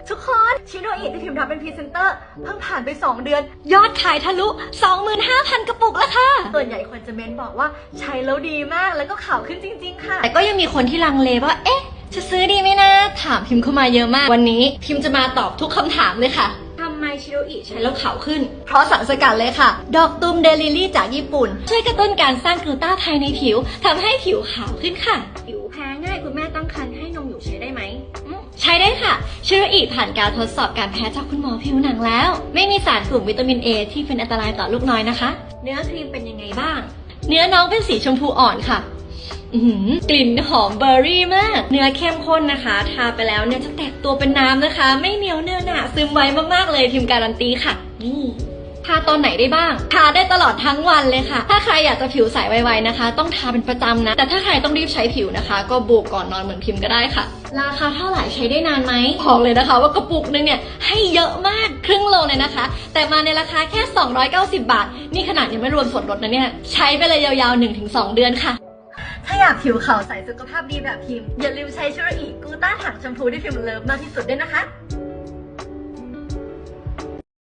ทุกคนชิโนอิที่พิมพ์รับเป็นพรีเซนเตอร์เพิ่งผ่านไป2 เดือนยอดขายทะลุ 25,000 กระปุกแล้วค่ะส่วนใหญ่คนจะเม้นบอกว่าใช้แล้วดีมากแล้วก็ขาวขึ้นจริงๆค่ะแต่ก็ยังมีคนที่ลังเลว่าเอ๊ะจะซื้อดีไหมนะถามพิมพ์เข้ามาเยอะมากวันนี้พิมพ์จะมาตอบทุกคำถามเลยค่ะทำไมชิโนอิใช้แล้วขาวขึ้นเพราะสารสกัดเลยค่ะดอกตูมเดลิลี่จากญี่ปุ่นช่วยกระตุ้นการสร้างกลูต้าภายในผิวทำให้ผิวขาวขึ้นค่ะผิวแพ้ง่ายคุณแม่ตั้งครรภ์ให้นมอยู่ใช้ได้ไหมใช้ได้ค่ะชิโนอิผ่านการทดสอบการแพ้จากคุณหมอผิวหนังแล้วไม่มีสารกลุ่มวิตามิน A ที่เป็นอันตรายต่อลูกน้อยนะคะเนื้อครีมเป็นยังไงบ้างเนื้อน้องเป็นสีชมพูอ่อนค่ะกลิ่นหอมเบอร์รี่มากเนื้อเข้มข้นนะคะทาไปแล้วเนี่ยจะแตกตัวเป็นน้ำนะคะไม่เหนียวเนื้อหนาซึมไวมากๆเลยพิมการันตีค่ะนี่ทาตอนไหนได้บ้างทาได้ตลอดทั้งวันเลยค่ะถ้าใครอยากจะผิวใสไวๆนะคะต้องทาเป็นประจำนะแต่ถ้าใครต้องรีบใช้ผิวนะคะก็โบกก่อนนอนเหมือนพิมก็ได้ค่ะราคาเท่าไหร่ใช้ได้นานไหมบอกเลยนะคะว่ากระปุกนึงเนี่ยให้เยอะมากครึ่งโลเลยนะคะแต่มาในราคาแค่290 บาทนี่ขนาดยังไม่รวมส่วนลดนะเนี่ยใช้ไปเลยยาวๆ 1-2 เดือนค่ะถ้าอยากผิวขาวใสสุขภาพดีแบบพิมพ์อย่าลืมใช้ชิโนอิกูต้าถังแชมพูที่พิมเลิฟมากที่สุดด้วยนะคะ